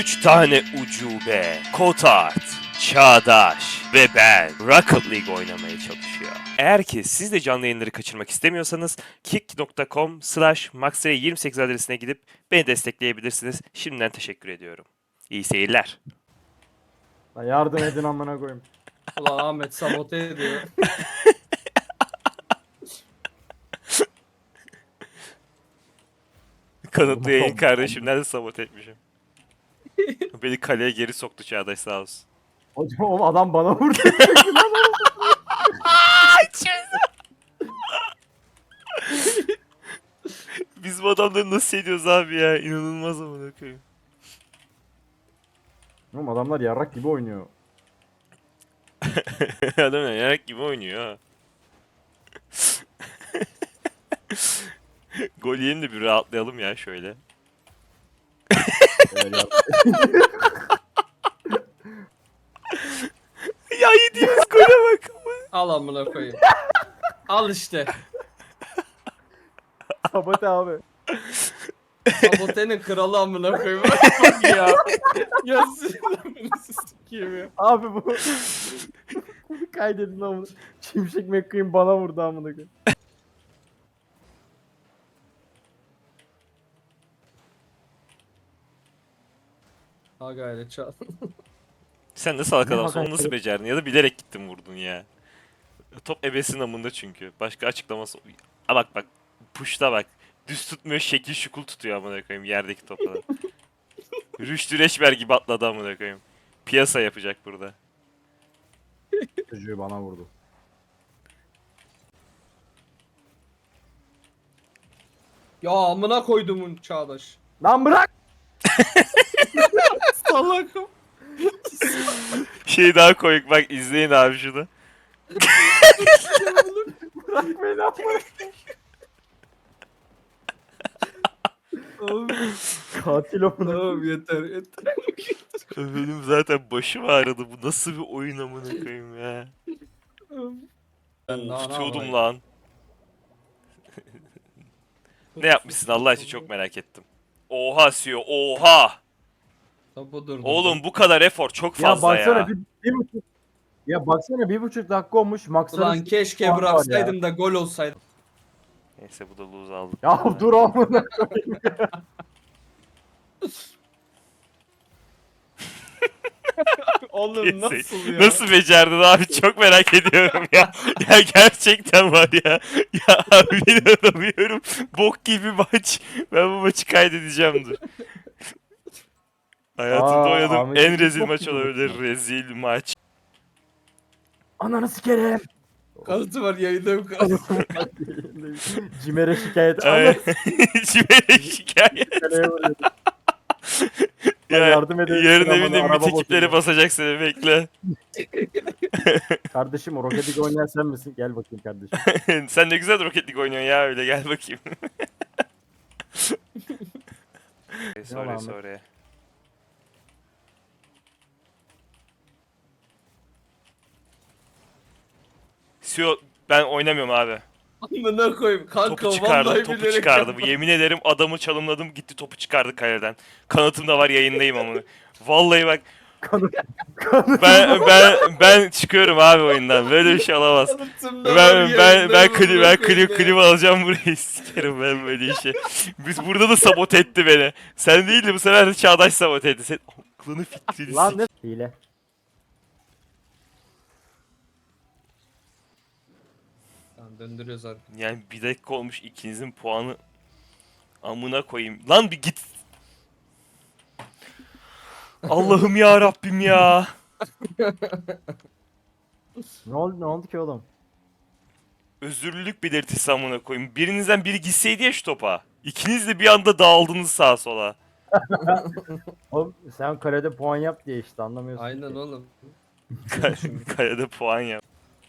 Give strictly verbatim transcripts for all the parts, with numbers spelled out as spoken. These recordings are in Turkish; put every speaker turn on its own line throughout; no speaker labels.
Üç tane ucube, Kotart, Çağdaş ve ben Rocket League oynamaya çalışıyor. Eğer ki siz de canlı yayınları kaçırmak istemiyorsanız kick nokta com slash maxray yirmi sekiz adresine gidip beni destekleyebilirsiniz. Şimdiden teşekkür ediyorum. İyi seyirler.
Lan yardım edin amına koyayım.
Ulan Ahmet sabote ediyor.
Kanıtlı yayın kardeşimden de sabote etmişim. Beni kaleye geri soktu Çağdaş sağ olsun.
Hocam o adam bana vurdu.
Biz bu adamları nasıl ediyoruz abi ya? İnanılmaz amına koyayım.
Oğlum adamlar yarrak gibi oynuyor.
Adam yarak gibi oynuyor ha. Gol yiyelim de bir rahatlayalım ya şöyle.
Evet, ya.
Ya yediğimiz gole bak.
Al amına koyayım. Al işte.
Sabote abi.
Sabotenin kralı amına koyayım. Bak ya. Ya sinirlerinizi sikeyim ya.
Abi bu. Kaydedin amına. Şimşek McQueen bana vurdu amına koyayım.
Ha gayret çal.
Sen nasıl salak
Ne
adamsın onu
hakikaten-
nasıl becerdin ya da bilerek gittin vurdun ya. Top ebesin amında çünkü. Başka açıklaması... A bak bak. Puşta bak. Düz tutmuyor şekil şukul tutuyor amına koyayım yerdeki topları. Rüştü Reçber gibi atladı amına koyayım. Piyasa yapacak burada.
Çocuğu bana vurdu.
Ya amına koydumun Çağdaş.
Lan bırak.
Salakım.
Şey daha koyuk bak izleyin abi şunu.
Bırak beni amına.
Oğlum,
Katil amına.
tamam yeter yeter.
Benim zaten başım ağrıdı. Bu nasıl bir oyun amına koyayım ya.
Ben daha
Of,
ne
tutuyordum
yapayım?
lan. Ne yapmışsın Allah için çok merak ettim. Oha Sio oha.
Topu durdum.
Oğlum bu kadar efor çok
Ya
fazla ya.
baksana bir, bir buçuk. Ya baksana bir buçuk dakika olmuş. Maksarı
Ulan keşke
puan var ya.
bıraksaydım da gol olsaydı.
Neyse bu da lose aldık.
Ya dur amına koyayım.
Oğlum
Neyse.
nasıl ya?
Nasıl becerdin abi çok merak ediyorum ya. Ya gerçekten var ya. Ya abi inanamıyorum. Bok gibi maç. Ben bu maçı kaydedeceğim dur. Hayatımda
Aa,
oynadığım
Ahmet'in
en rezil
bok
maç
gibi
olabilir.
maç.
Rezil maç.
Ananı sikerim.
Kanıtı var yayında kanıtı.
Cimer'e şikayet.
Ay,
Ananı
Cimer'e şikayet.
sikereye vuruyor. Ben
Ya,
yardım edeyim,
yarın
sıra
evinde
bana, araba
mit ekipleri
bozuldu.
basacak seni bekle.
Kardeşim o Rocket League oynayan sen misin? Gel bakayım kardeşim.
Sen ne güzel Rocket League oynuyorsun ya öyle gel bakayım. sorry
Ahmet.
sorry. Sio ben oynamıyorum abi.
Amına koyayım. Kanka
Topu çıkardı,
vallahi
topu
bilerek
çıkardı.
yapma.
Yemin ederim adamı çalımladım gitti topu çıkardı kaleden. Kanıtım da var yayındayım ama. Vallahi bak
Kanı, kanı.
ben ben ben çıkıyorum abi oyundan. Böyle bir şey olamaz.
Kanıtım da var
Ben ben
yayında,
ben klip
amına
ben
koyayım
klip
ya.
klip alacağım burayı sikerim ben böyle işe. Biz burada da sabote etti beni. Sen değil de bu sefer de Çağdaş sabote etti. Sen aklını fikrini
Lan
sik.
ne? Hile.
Tamam, döndürüyoruz artık.
Yani bir dakika olmuş ikinizin puanı amına koyayım. Lan bir git. Allah'ım ya Rabbim ya.
Ne oldu ne oldu ki oğlum?
Özürlülük belirtisi amına koyayım. Birinizden biri gitseydi ya şu topa. İkiniz de bir anda dağıldınız sağa sola.
Oğlum sen kalede puan yap diye işte anlamıyorsun.
Aynen
ki.
oğlum.
Kalede puan yap.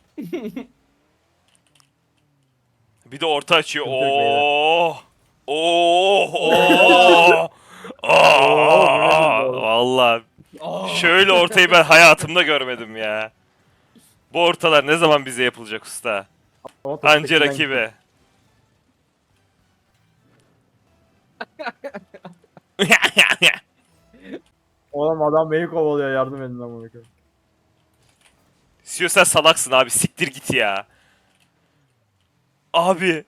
Bir de orta açıyor.
Sıkıntı yok beyler.
Oo. Oo. Oo. Oo. Vallahi
Aa!
şöyle ortayı ben hayatımda görmedim ya. Bu ortalar ne zaman bize yapılacak usta?
Ama top
Anca
tekinden
rakibe.
Oğlum adam beni kovalıyor, yardım edin amına koyayım.
Sio sen salaksın abi, siktir git ya. Abi.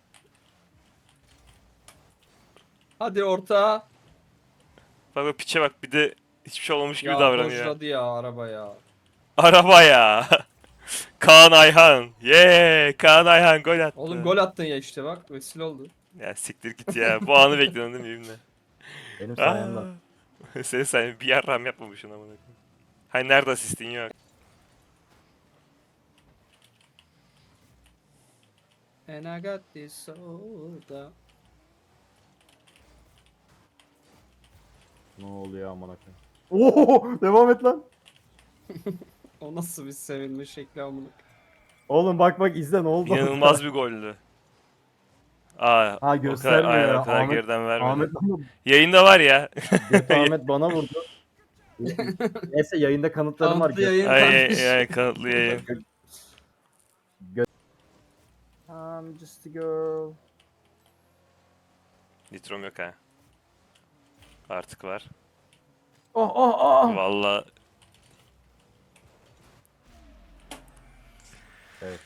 Hadi orta.
Bak bak piçe bak, bir de hiçbir şey olmamış gibi
Ya
davranıyor.
dojladı ya araba ya.
Araba ya. Kaan Ayhan. Yeee Kaan Ayhan gol attı.
Oğlum gol attın ya işte bak. Vesile oldu.
Ya siktir git ya. Bu anı bekliyordun değil mi İbni?
Benim sayemde.
Aa. Sen sen bir yarram yapmamışsın amına koyayım. Hay nerede asistin yok.
And I got this soda.
Ne oluyor amına koyayım? Oo, devam et lan.
O nasıl bir sevinme şekli amına.
Oğlum bak bak izle ne oldu?
İnanılmaz bir goldü. Aa,
Ha
o kadar,
göstermiyor
aynen,
ya.
o kadar
Ahmet,
geriden vermedi.
Ahmet, bana-
Yayında var ya.
Götü Ahmet bana vurdu. Neyse yayında kanıtlarım var.
Kanıtlı yayın
Ay,
kardeş.
ay, ay, kanıtlı yayın.
I'm just a girl.
Nitrom yok ha. Artık var.
Oh oh oh.
Valla.
Evet.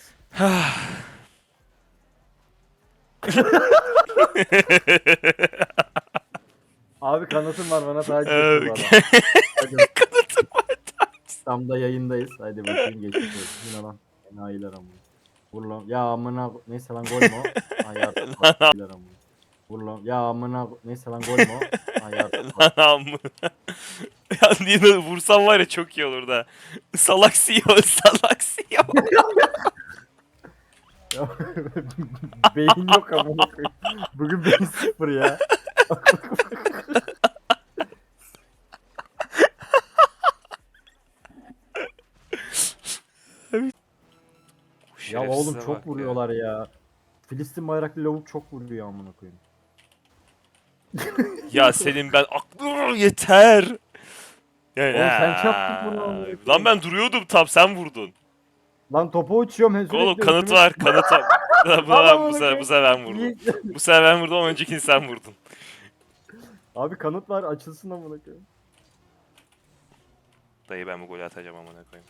Abi kanıtım var, bana takip et bu arada. Hadi.
Kanıtım var.
Tam da yayındayız. Hadi bakayım, geçmiş olsun. Yine lan. Enayiler amına. Vur lan. Ya amına. Neyse lan, gol mü o? Ay artık. Enayiler amına. Vur lan. Ya amına. Neyse lan, gol mü o? Ay artık.
Lan amına. Ya niye vursam var ya çok iyi olur da. Salak C E O, salak C E O.
Ya, beyin yok amına koyayım. Bugün beyin sıfır ya. Ya oğlum
Şerefsize
çok
bak
vuruyorlar ya. Filistin bayraklı lavuk çok vuruyor amına koyayım.
Ya. Ya senin ben aklım yeter. Ya,
Oğlum sen çarptın bunu amına koyayım.
Lan ben duruyordum tam, sen vurdun.
Lan topa uçuyorum hem
Oğlum
sürekli
kanıt
üstüme-
var, kanıt var. Buna
Al
ben,
amına
bu sefer,
koyayım.
bu sefer ben vurdum.
İyi.
Bu sefer ben vurdum ama öncekini sen vurdun.
Abi kanıt var, açılsın amına koyayım.
Dayı ben bu golü atacağım amına koyayım.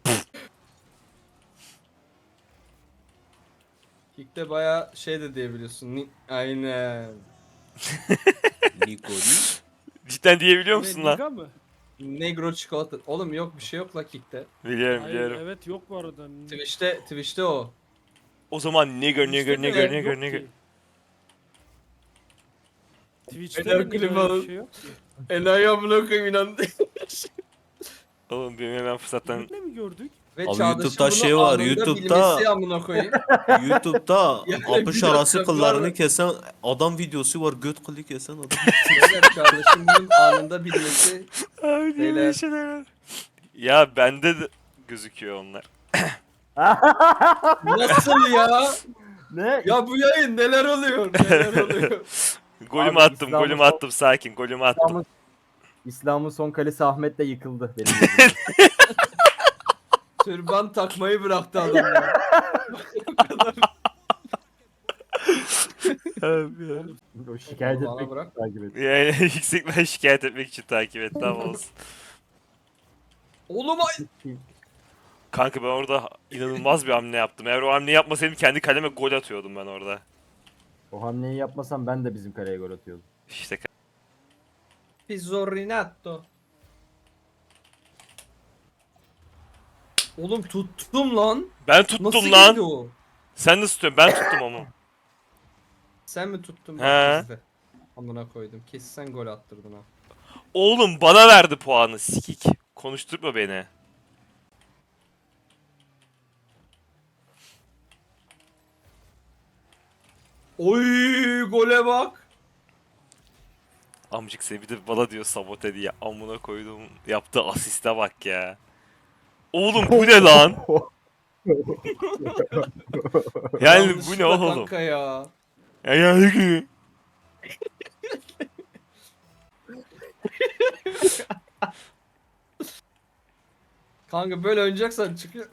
Kick'te baya şey de diyebiliyorsun. Ni- Aynen.
Nikoli.
Cidden diyebiliyor musun
Ne,
lan?
Liga mı?
Negro çikolata. Oğlum yok bir şey yok la Kick'te.
Biliyorum
Hayır,
biliyorum.
evet yok bu arada.
Twitch'te Twitch'te o.
O zaman nigger nigger
Twitch'te de
nigger
yok
nigger
ki.
nigger.
Twitch'te
Beyler
de
klima
Liga öyle
alın.
bir şey yok ki.
Enayi amına koyayım inandı.
Oğlum benim hemen fırsattan...
Twitch'te mi gördük?
Ve
Abi
Çağdaş'ın
YouTube'da
bunu
şey var,
anında
YouTube'da-
bilmesi amına koyayım.
YouTube'da
Yani
apış
bir
arası
dakika,
kıllarını
var.
kesen adam videosu var. Göt kılı kesen adam.
Beyler Çağdaş'ın bunun anında bilmesi.
Abi niye böyle
Beyler.
şeyler var? Ya bende de gözüküyor onlar.
Nasıl ya?
Ne?
Ya bu yayın neler oluyor? Neler oluyor?
Golümü
Abi,
attım,
İslam'ı
golümü
sol-
attım, sakin, golümü attım.
İslam'ın, İslam'ın son kalesi Ahmet de yıkıldı benim gözümde.
Türban takmayı bıraktı adam ya.
Abi ya.
O şikayet
Bana
etmek
bırak.
takip et.
Yani yüksekten şikayet etmek için takip et, tamam olsun.
Oğlum ay.
Kanka ben orada inanılmaz bir hamle yaptım. Eğer o hamleyi yapmasaydım kendi kaleme gol atıyordum ben orada.
O hamleyi yapmasam ben de bizim kaleye gol atıyordum.
İşte
Pizzorinato. Oğlum tuttum lan.
ben tuttum
Nasıl
lan.
girdi o?
Sen nasıl tutuyorsun? Ben tuttum ama.
Sen mi tuttun?
He.
Bak bizde. Amına koydum. Kesin sen gol attırdın ha.
Oğlum bana verdi puanı sikik. Konuşturma beni.
Oy gole bak.
Amcık seni bir de bana diyor sabote diye. Amına koydum. Yaptığı asiste bak ya. Oğlum bu ne lan? Yani bu ne
Yanlışlıkla
oğlum?
Kanka ya.
Ya yani ki.
Kanka böyle oynayacaksan çıkıyor.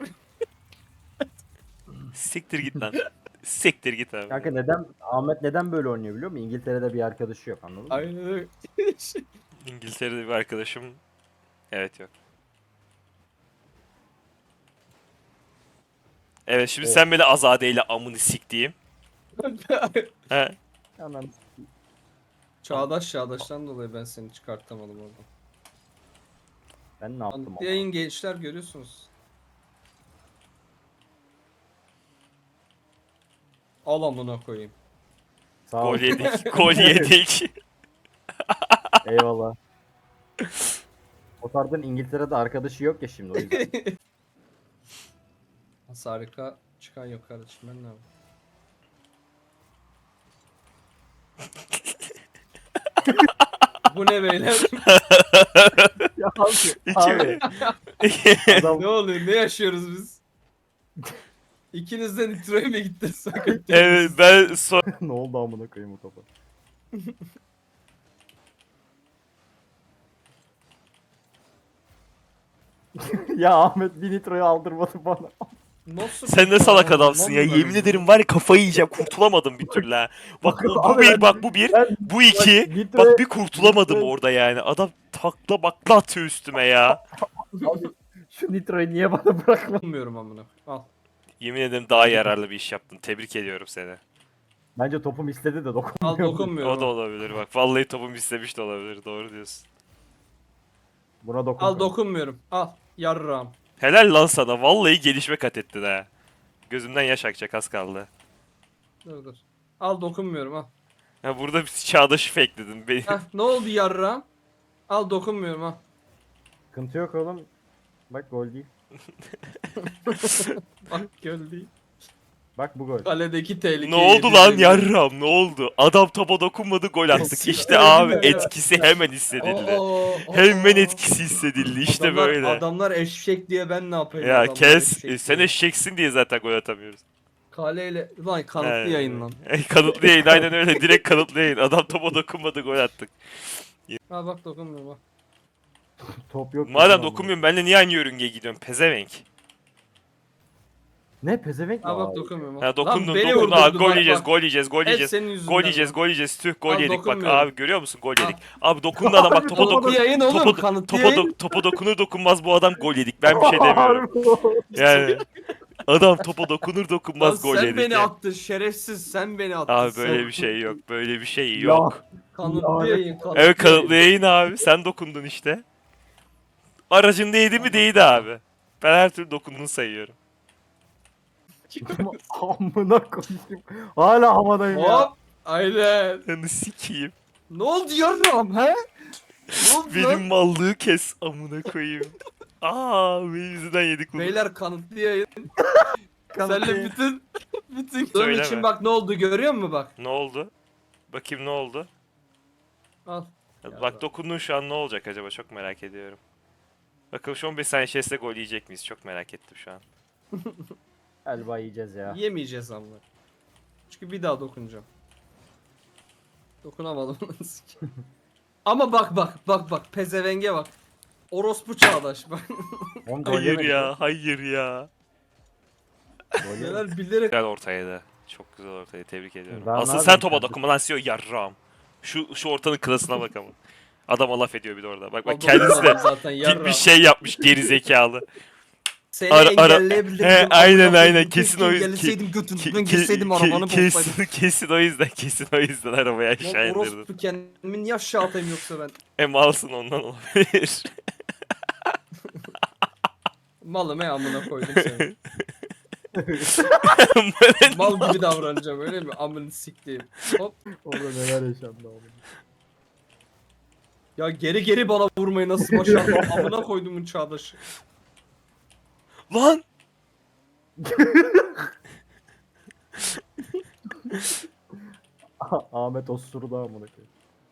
Siktir git lan. Siktir git abi.
Kanka neden Ahmet neden böyle oynuyor biliyor musun? İngiltere'de bir arkadaşı yok, anladın mı?
Aynen öyle.
İngiltere'de bir arkadaşım. Evet yok. Evet şimdi
Oh.
sen beni Azade ile amını siktiğim. He.
Hemen
Çağdaş Çağdaş'tan dolayı ben seni çıkartamadım oradan.
ben ne yaptım
Anlık
ama?
yayın gençler görüyorsunuz. Al amına koyayım.
Sağ ol.
Gol yedik. Gol yedik.
Eyvallah. Otard'ın İngiltere'de arkadaşı yok ya şimdi o yüzden.
Harika. Çıkan yok kardeşim ben ne yapayım? Bu ne beyler?
ya abi, abi. Adam
Ne oluyor? Ne yaşıyoruz biz? İkiniz de Nitro'ya mı gittiniz? Sakın
Evet ben son...
ne oldu amına koyayım o topa? ya Ahmet bir nitroyu aldırmadı bana.
Nasıl
Sen ne salak adamsın ya. Yemin ederim var ya kafayı yiyeceğim. Kurtulamadım bir türlü ha. Bak bu, bu
Abi
bir
ben-
bak bu bir.
Ben
Bu iki.
Nitro-
Bak bir kurtulamadım
Nitro-
orada yani. Adam takla bakla atıyor üstüme ya.
abi, şu nitroyu niye bana bırakmadın?
Bilmiyorum amına. Al.
Yemin ederim daha yararlı bir iş yaptın. Tebrik ediyorum seni.
Bence topum istedi de
Al
dokunmuyor.
dokunmuyorum.
O da olabilir bak. Vallahi topum istemiş de olabilir. Doğru diyorsun.
Buna dokun.
Al dokunmuyorum. Al. Yarram.
Helal lan sana. Vallahi gelişme kat ettin ha. Gözümden yaş akacak az kaldı.
Dur dur. Al dokunmuyorum al.
Ha burada bir çağdaşı fake'ledin. Beni...
Heh, ne oldu yarram? Al dokunmuyorum al.
Sıkıntı yok oğlum. Bak gol değil.
Bak göl değil.
Bak bu gol.
Kaledeki tehlike.
Ne oldu lan yarram ne oldu? Adam topa dokunmadı gol attık. İşte abi etkisi hemen hissedildi. Hemen etkisi hissedildi. İşte
adamlar,
böyle.
Adamlar eşek diye ben ne yapayım?
Ya
adamlar
kes.
eşek
E, sen
diye.
eşeksin diye zaten gol atamıyoruz.
Kaleyle lan kanıtlı
He.
yayın lan.
E, kanıtlı yayın aynen öyle. Direkt kanıtlı yayın. Adam topa dokunmadı gol attık.
Ha bak dokunmuyorum bak.
Top yok.
Madem
bizim
dokunmuyorsun benimle niye aynı yörüngeye gidiyorsun? Pezevenk.
amına. Ne pezevenk mi?
Ha bak
abi?
dokunmuyorum.
Ha
Lan
dokundun
beni
dokundun. Ha,
vurdurdu,
gol
bak,
yiyeceğiz
bak.
gol yiyeceğiz gol
Hep
yiyeceğiz.
senin yüzünden
Gol yiyeceğiz
lan.
gol yiyeceğiz. Tüh gol
Al,
yedik bak
dokunmuyorum.
abi görüyor musun gol
Al.
yedik. Abi dokundu adam bak topa
Kanıtlı
dokun.
yayın oğlum
Topa,
kanıtlı
topa,
yayın.
do- topa dokunur dokunmaz bu adam gol yedik. Ben bir şey demiyorum. Yani adam topa dokunur
Lan
dokunmaz gol
sen
yedik.
beni
ya.
attın şerefsiz sen beni attın.
Abi
sen.
böyle bir şey yok. Böyle bir şey
Ya.
yok.
Kanıtlı
Ya.
yayın kanıtlı
Evet
yayın.
kanıtlı yayın abi. Sen dokundun işte. Aracın değdi mi değdi abi. Ben her türlü dokunduğunu sayıyorum.
Amına koyayım. Hala havadayım ya.
Hop. Aynen.
Yani sikeyim.
Ne oldu yarram he? Ne oldu
Benim
lan?
mallığı kes amına koyayım. Aa benim yüzünden yedik bunu.
Beyler kanıtlı yayın. Senle bütün bütün Bunun
Söyleme.
için bak ne oldu görüyor musun bak?
Ne oldu? Bakayım ne oldu?
Al.
Bak dokundun şu an ne olacak acaba çok merak ediyorum. Bakalım şu on beş saniye içerisinde gol yiyecek miyiz? Çok merak ettim şu an.
Galiba yiyeceğiz ya.
Yemeyeceğiz ama. Çünkü bir daha dokunacağım. Dokunamadım. Ama bak bak bak bak pezevenge bak. Orospu çağdaş bak.
On gol
Hayır
yemedik
ya, hayır ya.
Gol yemedik.
Neler bilerek
Güzel ortaydı. Çok güzel ortaydı. Tebrik ediyorum.
Daha ne
Aslında
yapayım
sen topa
kardeşim?
dokunma lan C E O yarram. Şu şu ortanın klasına bak ama. Adama laf ediyor bir de orada. Bak bak
Al,
kendisi de
dokunamadım zaten
bir,
yarram.
bir şey yapmış geri zekalı.
Seni
Ara- ara-
engelleyebilirdim.
He,
Amına
aynen,
koyayım.
aynen.
Keşke
Kesin o yüzden-
engelleseydim götünden
Ke-
girseydim
ke-
arabanı
ke-
bozsaydım.
kesin, kesin o yüzden kesin o yüzden arabayı aşağı
Lan
indirdim.
orospu kendimi niye aşağı atayım yoksa ben?
E malsın ondan olabilir.
Malım he amına koydum seni.
Ben-
Mal gibi davranacağım öyle mi? Amını siktiğim. Hop.
Orada neler yaşandı oğlum.
Ya geri geri bana vurmayı nasıl başardın? Amına koydumun çağdaşı.
Lan!
Ahmet osurdu amına koyayım.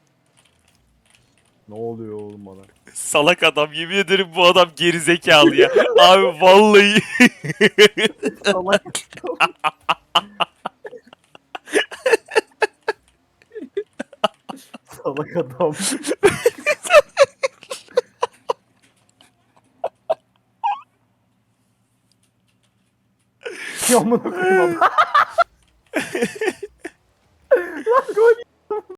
Ne oluyor oğlum bana?
Salak adam yemin ederim bu adam geri zekalı ya. Abi vallahi
Salak. Salak adam. Ya amına koyayım adam.